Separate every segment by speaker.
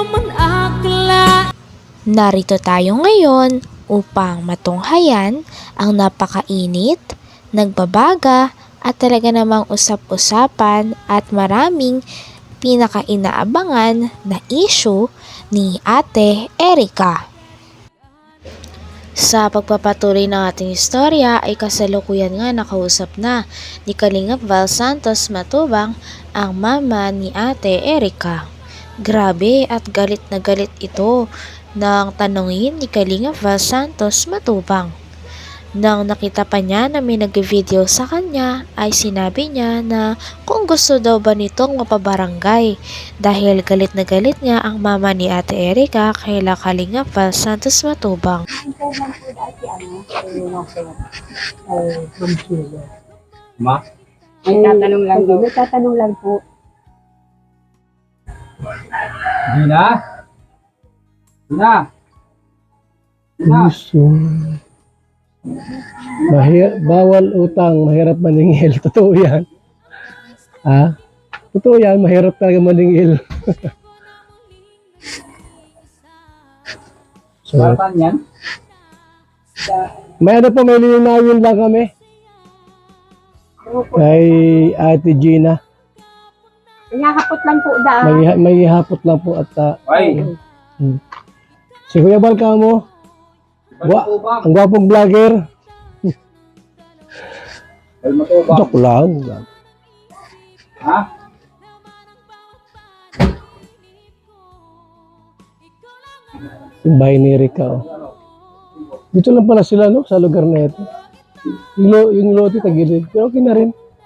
Speaker 1: Narito tayo ngayon upang matunghayan ang napakainit, nagbabaga at talaga namang usap-usapan at maraming pinaka-inaabangan na issue ni Ate Erica. Sa pagpapatuloy ng ating istorya ay kasalukuyan nga nakausap na ni Kalingap Val Santos Matubang ang mama ni Ate Erica. Grabe at galit na galit ito nang tanungin ni Kalingap Val Santos Matubang. Nang nakita pa niya na may nag-video sa kanya ay sinabi niya na kung gusto daw ba nitong mapabarangay dahil galit na galit nga ang mama ni Ate Erica kay Kalingap Val Santos Matubang.
Speaker 2: Ma?
Speaker 3: May tatanong lang daw. May tatanong lang po.
Speaker 2: Gina? Gina? Gina?
Speaker 4: Bawal utang, mahirap maningil. Totoo yan. Ha? Totoo yan, mahirap talaga maningil. So,
Speaker 2: Saan yan?
Speaker 4: may ano po, may linawin lang kami. Kay Ate Gina.
Speaker 3: Inahapot lang po dahil.
Speaker 4: May hapot lang po at
Speaker 2: Ay!
Speaker 4: si Kuya Balka mo.
Speaker 2: Matubang!
Speaker 4: Ang gwapong vlogger.
Speaker 2: Matubang!
Speaker 4: Joke lang.
Speaker 2: Ha?
Speaker 4: Yung bahay ni Erica. Oh. Dito lang pala sila, no? Sa lugar na ito. Yung lote tagilid. Pero okay na rin.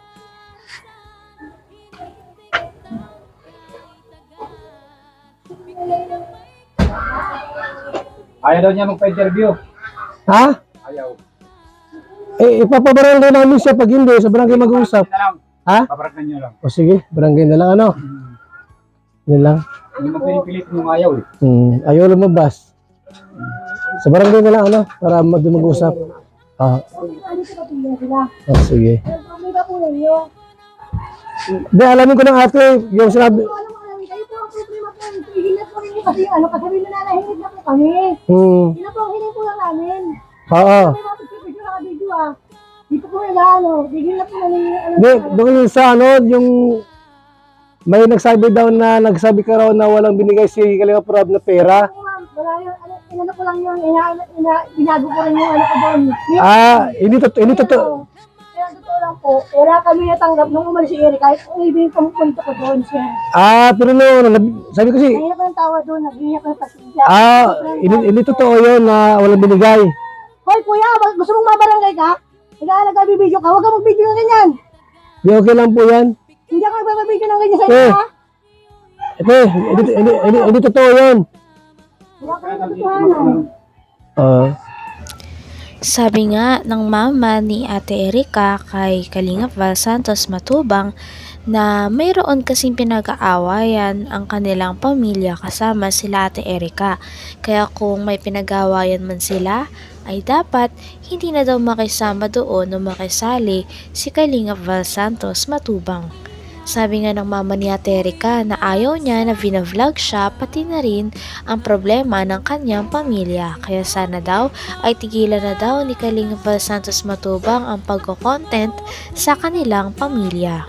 Speaker 2: Ayaw daw niya magpa-interview.
Speaker 4: Ha?
Speaker 2: Ayaw.
Speaker 4: Ipapabarangay namin siya pag hindi. Sa barangay mag-uusap.
Speaker 2: Na lang.
Speaker 4: Ha?
Speaker 2: Paparangan niyo lang.
Speaker 4: O sige, barangay na lang. Ano? Yan lang.
Speaker 2: Hindi mo pinipilit yung ayaw eh.
Speaker 4: Ayaw lumabas. Sa barangay na lang, ano? Para mag-usap. Sige.
Speaker 3: Problema po ninyo.
Speaker 4: Hindi, alamin ko ng ate. Yung sinabi.
Speaker 3: Kayo po ang problema po. Hihinat po ninyo kasi kasi nananahimik na po kami. Yun na po ang hiling po lang namin.
Speaker 4: Oo.
Speaker 3: May mga pagpipidyo na ka-video ah. Dito po nila bigyan na po namin
Speaker 4: Hindi, doon sa yung may nagsabi daw na nagsabi ka raw na walang binigay si Kalingap Rob na pera.
Speaker 3: Wala yun, inano ko lang yun, binago ko rin yung ano ko doon.
Speaker 4: Hindi totoo.
Speaker 3: Kaya totoo lang po, wala kami natanggap nung umalis si Eric, kahit kung ibigin kong punto ko doon siya.
Speaker 4: Pero no, sabi ko
Speaker 3: Kaya ko ng tawa doon, naghihiyak ko ng pasensya.
Speaker 4: hindi totoo yun na walang binigay.
Speaker 3: Hoy kuya, gusto mong mabarangay ka? Nag-bibideo ka, huwag kang mag-video ng ganyan.
Speaker 4: Di okay lang po yan.
Speaker 3: Hindi ako magbibideo ng ganyan sa iyo ha.
Speaker 4: Hindi totoo yun.
Speaker 3: Wala ka ng katotohanan.
Speaker 1: Sabi nga ng mama ni Ate Erica kay Kalingap Val Santos Matubang na mayroon kasing pinag-aawayan ang kanilang pamilya kasama sila Ate Erica. Kaya kung may pinag-aawayan man sila, ay dapat hindi na daw makisama doon o makisali si Kalingap Val Santos Matubang. Sabi nga ng mama ni Ate Erica na ayaw niya na vinavlog siya pati na rin ang problema ng kanyang pamilya. Kaya sana daw ay tigilan na daw ni Kalingap Val Santos Matubang ang pagko-content sa kanilang pamilya.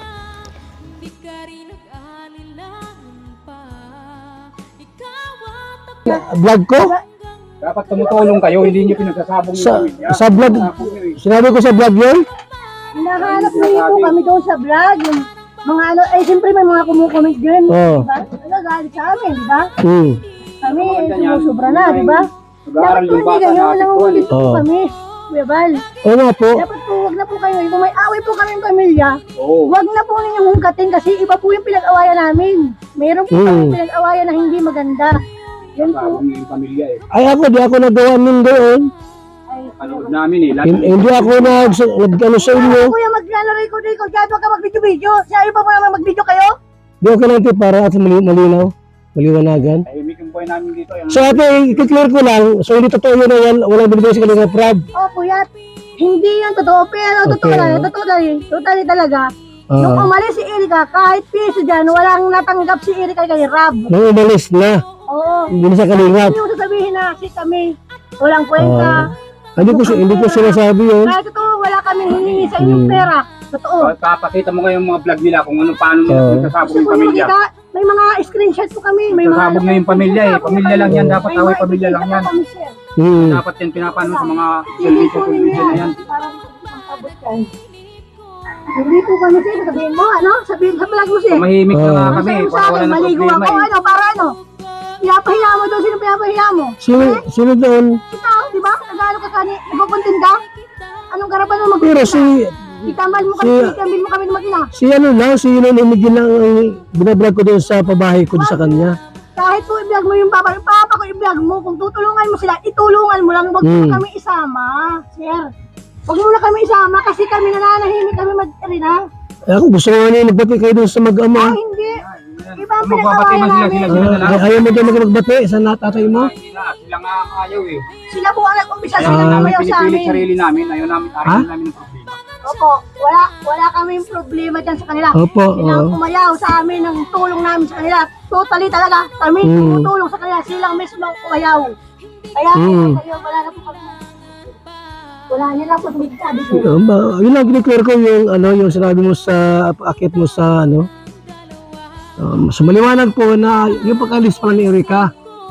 Speaker 4: Vlog ko?
Speaker 2: Dapat tumutulong kayo, hindi niyo pinagsasabong yung pamilya.
Speaker 4: Sa vlog, sinabi ko sa vlog yun?
Speaker 3: Hinahanap niyo po kami doon sa vlog. Yung mga ano, siyempre may mga kumukomment din.
Speaker 4: Oo.
Speaker 3: Diba? Galit sa amin, di ba? Kami,
Speaker 2: Maganda
Speaker 3: sumusubra na, di ba?
Speaker 2: Mag-aaral yung bata na
Speaker 3: nangungulit
Speaker 2: atiktuan.
Speaker 3: po kami. Kuya Val.
Speaker 4: Oo nga po.
Speaker 3: Dapat po, wag na po kayo. Kung may away po kami ng pamilya,
Speaker 2: Oo.
Speaker 3: wag na po ninyong hungkatin kasi iba po yung pinag-awayan namin. Meron po kami pinag-awayan na hindi maganda. Yan po.
Speaker 2: Sabong yung pamilya eh.
Speaker 4: Ay ako, di ako nagawa nun doon.
Speaker 2: Panood namin eh.
Speaker 4: Hindi ako nag-ano sa inyo.
Speaker 3: Kuya, mag-record. Kaya ka mag-video-video. Siya iba po naman mag-video kayo.
Speaker 4: Di okay lang ito para at malinaw. Maliwanagan.
Speaker 2: Tahimik yung buhay namin dito. Yung
Speaker 4: So ate, i-clear ko lang. So hindi totoo yun na yan. Walang binigay si Kalingap Rob.
Speaker 3: Kuya, hindi yan totoo. Pero totoo
Speaker 4: Okay.
Speaker 3: lang. Totally talaga. Nung umalis si Erika, kahit piso dyan, walang natanggap si Erika kay Rob.
Speaker 4: Nung umalis na.
Speaker 3: Oo.
Speaker 4: Hindi na siya kalingap.
Speaker 3: Hindi mo sasabihin na kasi kami walang kwenta.
Speaker 4: Hindi ko sinasabi yun.
Speaker 3: Kahit totoo, wala kami hihingi sa inyong pera. Totoo.
Speaker 2: Papakita mo ngayon mga vlog nila kung paano nila nagsasabog
Speaker 3: Gusto
Speaker 2: yung
Speaker 3: ko niyo
Speaker 2: pamilya.
Speaker 3: makita, may mga screenshot po kami. May mga
Speaker 2: Nagsasabog na yung pamilya eh. Pamilya lang yan. Dapat away pamilya lang yan.
Speaker 4: Hmm.
Speaker 2: Dapat yan pinapano sa mga
Speaker 3: Hindi po
Speaker 2: service
Speaker 3: ninyo
Speaker 2: na yan.
Speaker 3: Parang pangkabot yan. Hindi po kami sir, sabihin mo, sabihin sa vlog mo sir.
Speaker 2: Tumahimik na nga kami.
Speaker 3: Sabihin mo sa
Speaker 2: Para
Speaker 3: akin,
Speaker 2: wala ng
Speaker 3: maligo
Speaker 2: problema
Speaker 3: ako,
Speaker 2: eh.
Speaker 3: para ano? Pinapahiya mo doon, sino pinapahiya mo?
Speaker 4: Sino doon?
Speaker 3: Ikaw, di ba? Nag-ano ka kani, nagpupuntin ka? Anong karapan mo
Speaker 4: Pero
Speaker 3: magpunta? Itambal mo kami ng mag-ina.
Speaker 4: si ano lang, si Yulon Imigin lang ang binablog ko doon sa pabahay ko doon sa kanya.
Speaker 3: Kahit po i-vlog mo yung papa ko i-vlog mo, kung tutulungan mo sila, itulungan mo lang, huwag mo kami isama, sir. Huwag mo na kami isama kasi kami nananahimik kami mag-irina.
Speaker 4: Eh, kung gusto nga niya magbati kayo doon sa mag-ama.
Speaker 3: Hindi. Iba ang
Speaker 2: Magbabati man
Speaker 3: pinag-awayan
Speaker 2: sila
Speaker 3: namin.
Speaker 2: na lang.
Speaker 4: Ayaw mo daw magbati sa natatay mo?
Speaker 2: Sila nga ang ayaw eh.
Speaker 3: Sila po ang nag-umpisa,
Speaker 2: Kaya
Speaker 3: sila
Speaker 2: namin
Speaker 3: namayaw sa
Speaker 2: pinipilit
Speaker 3: amin.
Speaker 2: sarili namin. Ayaw namin arayin namin ng problema.
Speaker 3: Opo, wala kaming problema dyan sa kanila.
Speaker 4: Opo,
Speaker 3: Silang umayaw sa amin ng tulong namin sa kanila. Totally talaga, kami tumutulong sa kanila. Silang mismo ang umayaw. Kaya kayo, wala na po kami. Wala niya lang po sabi ko.
Speaker 4: Yun lang kiniklear ko yung sinabi mo sa akit mo sa so maliwanag po na yung pag-alis pala ni Erika.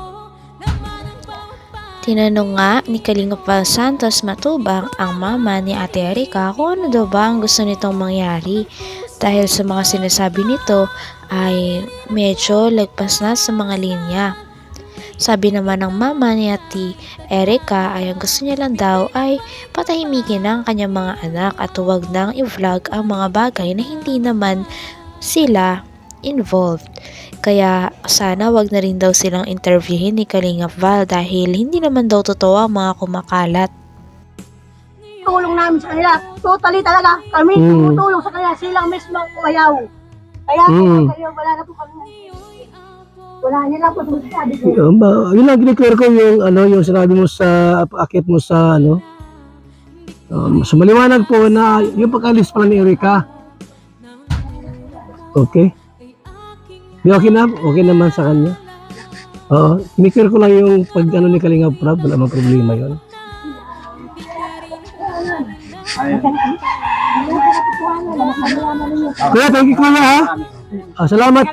Speaker 1: Tinanong nga ni Kalingap Val Santos Matubang ang mama ni Ate Erika kung ano daw ba ang gusto nitong mangyari dahil sa mga sinasabi nito ay medyo lagpas na sa mga linya. Sabi naman ng mama ni Ate Erika ay ang gusto niya lang daw ay patahimikin ang kanyang mga anak at huwag nang i-vlog ang mga bagay na hindi naman sila involved. Kaya sana wag na rin daw silang interviewin ni Kalingap Val dahil hindi naman daw totoo ang mga kumakalat.
Speaker 3: Tulong namin sa kanila. Totally talaga, kami tumutulong sa kanila. Silang mismo ang umayaw. Kaya kayo, wala na po kami. Wala niya lang po sabi ko.
Speaker 4: Yun lang kiniklear ko yung sinabi mo sa akit mo sa so maliwanag po na yung pag-alis pala ni Erika. Okay? Okay na? Okay naman sa kanya? Oo. Kiniklear ko lang yung pag ni Kalingap Prab. Wala mang problema yun. Kuya, thank you kuya ha. Salamat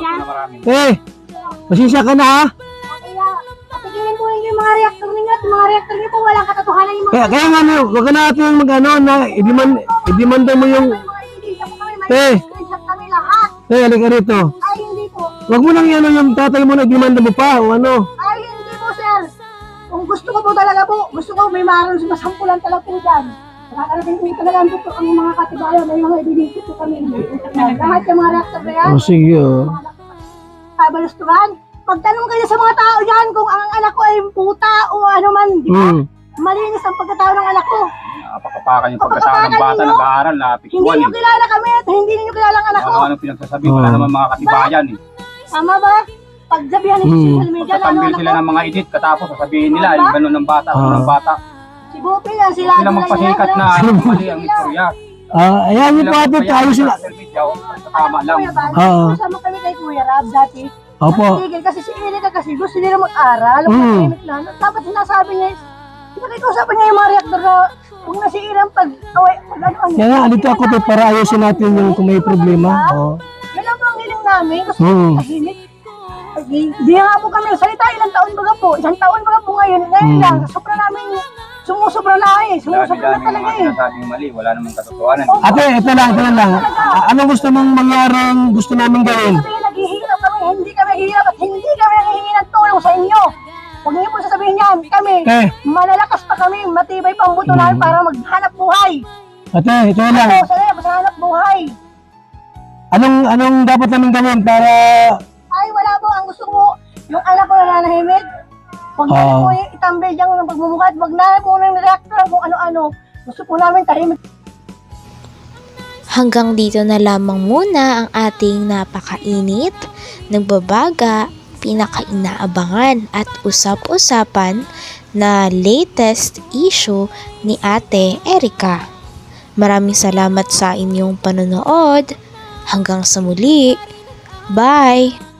Speaker 4: pasensya ka na ha.
Speaker 3: Kaya, patigilin po yung mga reactor ninyo at mga reactor niyo po walang katotohanan yung mga
Speaker 4: Kaya nga wag ka natin na i-demanda mo yung
Speaker 3: mga ebidensya po kami. May screenshot kami lahat.
Speaker 4: halika rito.
Speaker 3: Ay, hindi po.
Speaker 4: Wag mo lang yung tatay mo na i-demanda mo pa o ano.
Speaker 3: Ay, hindi po, sir. Kung gusto ko po talaga po, gusto ko may maroon sa masampulan talaga po dyan. Nakakarating po talaga ang mga katibayan, may mga ebidensya po kami. Lahat yung mga reactor na yan,
Speaker 4: Sige
Speaker 3: kabalustuhan. Pagtanong kayo sa mga tao dyan kung ang anak ko ay puta o ano man, di ba? Malinis ang pagkatao ng anak ko.
Speaker 2: Napakapakan yung pagkatao ng bata, nag-aaral,
Speaker 3: Hindi
Speaker 2: napiktuan
Speaker 3: niyo kilala kami at hindi niyo kilala ang anak ko.
Speaker 2: Ano pinagsasabi, wala naman mga katibayan eh.
Speaker 3: Tama ba? Pagsabihan ng social media, ano
Speaker 2: Pagkatambil
Speaker 3: anak
Speaker 2: sila
Speaker 3: ko?
Speaker 2: ng mga edit, katapos sasabihin nila, yung gano'n ng bata, gano'n ng bata.
Speaker 3: Si Bupi yan, sila.
Speaker 2: Sila magpasikat na mali ang istorya.
Speaker 4: ayan yung po ate, ayos sila.
Speaker 2: Tama lang.
Speaker 3: Kasama kami kay Kuya Rab dati.
Speaker 4: Opo.
Speaker 3: Tigil kasi si Erika kasi gusto nila mag-aral. Dapat sinasabi niya, pinag-usapan niya yung mga reactor na kung nasira ang pag-ano.
Speaker 4: Kaya nga, alito ako to para ayusin natin yung kung may problema.
Speaker 3: Yan lang po ang hiling namin kasi tahimik. Hindi nga po kami salita, ilang taon baga po. Isang taon baga po ngayon. Ngayon lang, sobra namin, sumusobra na Sumusobra na talaga
Speaker 2: Sinasabing mali, wala namang katotohanan.
Speaker 4: Ate, ito lang. Anong gusto mong mangyaring gusto namin gawin?
Speaker 3: Kami naghihirap kami, hindi kami hirap at hindi kami nanghihingi ng tulong sa inyo. Huwag niyo po sasabihin yan, kami, malalakas pa kami, matibay pa ang buto namin para maghanap buhay.
Speaker 4: Ate, ito lang.
Speaker 3: Ako, sana maghanap buhay.
Speaker 4: Anong dapat namin gawin para
Speaker 3: Ay, wala po, ang gusto ko, yung anak ko nananahimik, huwag na po yung itambay dyan ng pagmumukha, huwag na po ng reactor kung ano-ano. Gusto po namin tahimik.
Speaker 1: Hanggang dito na lamang muna ang ating napakainit, nagbabaga, pinakainaabangan at usap-usapan na latest issue ni Ate Erika. Maraming salamat sa inyong panonood. Hanggang sa muli. Bye!